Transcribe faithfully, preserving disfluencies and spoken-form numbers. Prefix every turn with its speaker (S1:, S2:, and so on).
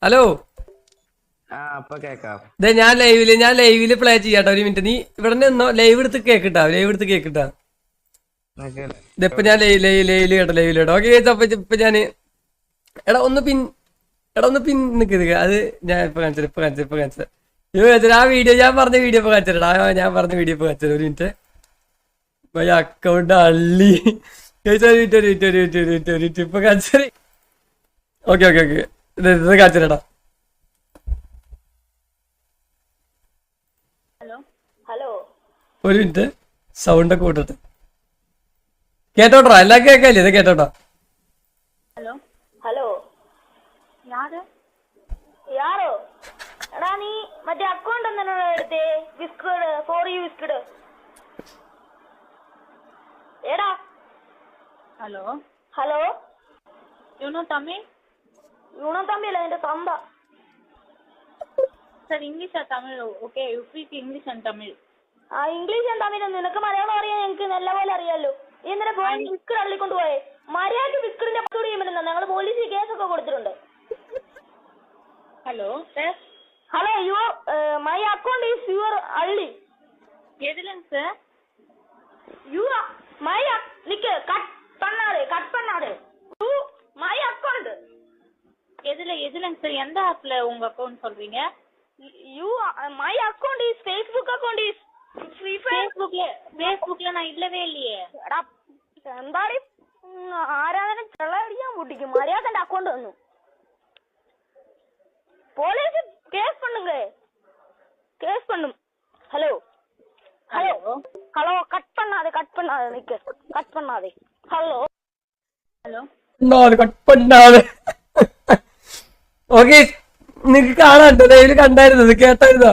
S1: Hello ഇതെ ഞാൻ ലൈവില് ഞാൻ ലൈവില് പ്ലേ ചെയ്യാട്ടോ ഒരു മിനിറ്റ്. നീ ഇവിടെ നിന്നോ, ലൈവ് എടുത്ത് കേക്കിട്ടാ, ലൈവ് എടുത്ത് കേക്കിട്ടാ. ഇതിപ്പോ ഞാൻ ലൈവില് കേട്ടോ, ലൈവില് കേട്ടോ. ഓക്കെ അപ്പൊ ഇപ്പൊ ഞാന് എടാ ഒന്ന് പിൻ എടാ ഒന്ന് പിൻ നിൽക്കുക. അത് ഞാൻ ഇപ്പൊ കാണിച്ചത് ഇപ്പൊ കാണിച്ചത് ഇപ്പൊ കാണിച്ചത് ഇപ്പൊ കാണിച്ചത് ആ വീഡിയോ ഞാൻ പറഞ്ഞ വീഡിയോ ഇപ്പൊ കാണിച്ചിട്ടാ. ഞാൻ പറഞ്ഞ വീഡിയോ ഇപ്പൊ കാണിച്ചത്. ഒരു മിനിറ്റ് അക്കൗണ്ട് അള്ളി ഇപ്പൊ കാണിച്ചത്. ഓക്കെ ഓക്കെ ഓക്കെ ഇത് കാണിച്ചിട്ടാ. ഒരു മിനിറ്റ് സൗണ്ട് ഒക്കെ കൂട്ടട്ടെ. കേട്ടോട്ടോ എല്ലാം കേക്കല്ലേ? ഇത് കേട്ടോട്ടോ.
S2: ഹലോ ഹലോ യാര് യാരോ എടാ നീ മറ്റേ അക്കൗണ്ട് എന്തിനാ എടുത്തേ? വിസ്കഡ് ഫോർ യു വിസ്കഡ് എടാ.
S3: Hello
S2: hello
S3: you know Tamil?
S2: You know തമ്മില്ല എന്റെ തന്ത.
S3: സർ ഇംഗ്ലീഷ് ആ Tamil? Okay you speak English and Tamil.
S2: ആ ഇംഗ്ലീഷ് ഞാൻ തമിഴ്. നിനക്ക് മലയാളം അറിയാൻ എനിക്ക് നല്ല പോലെ അറിയാലോ. നീ എന്തിനാ പോയി വിസ്കഡ് അള്ളിക്കൊണ്ട് പോയെ? മര്യാദക്ക് വിസ്കഡിന്റെ പത്തോട് ചെയ്യാൻ പറ്റുന്ന ഞങ്ങൾ പോലീസിൽ കേസൊക്കെ കൊടുത്തിട്ടുണ്ട്.
S3: Hello
S2: hello your my account is your അള്ളി.
S3: எதுலங்க சார்?
S2: யூ மை நிக்க கட் பண்ணாதே கட் பண்ணாதே யூ மை அக்கவுண்ட்.
S3: எதுல எதுலங்க சார்? எந்த ஆப்ல உங்க அக்கவுண்ட் சொல்றீங்க?
S2: You my account is Facebook account is free fire.
S3: ஃபேஸ்புக்ல ஃபேஸ்புக்ல நான் இல்லவே இல்லையே.
S2: എടാ എന്താടി ആരാധന ചെള്ളടിയാൻ പൊട്ടിക്കും. മര്യാദന്റെ അക്കൗണ്ട് വന്നു. പോലീസ് കേസ് பண்ணுங்க கேஸ் பண்ணும். ஹலோ ஹலோ ஹலோ கட் பண்ணாதே கட் பண்ணாதே நிக்க கட் பண்ணாதே. ஹலோ
S3: ഹലോ
S1: കട്ട് പണ്ടാതെ. ഓക്കെ നിങ്ങക്ക് കാണാൻ ലൈവില് കണ്ടായിരുന്നത് കേട്ടായിരുന്നോ?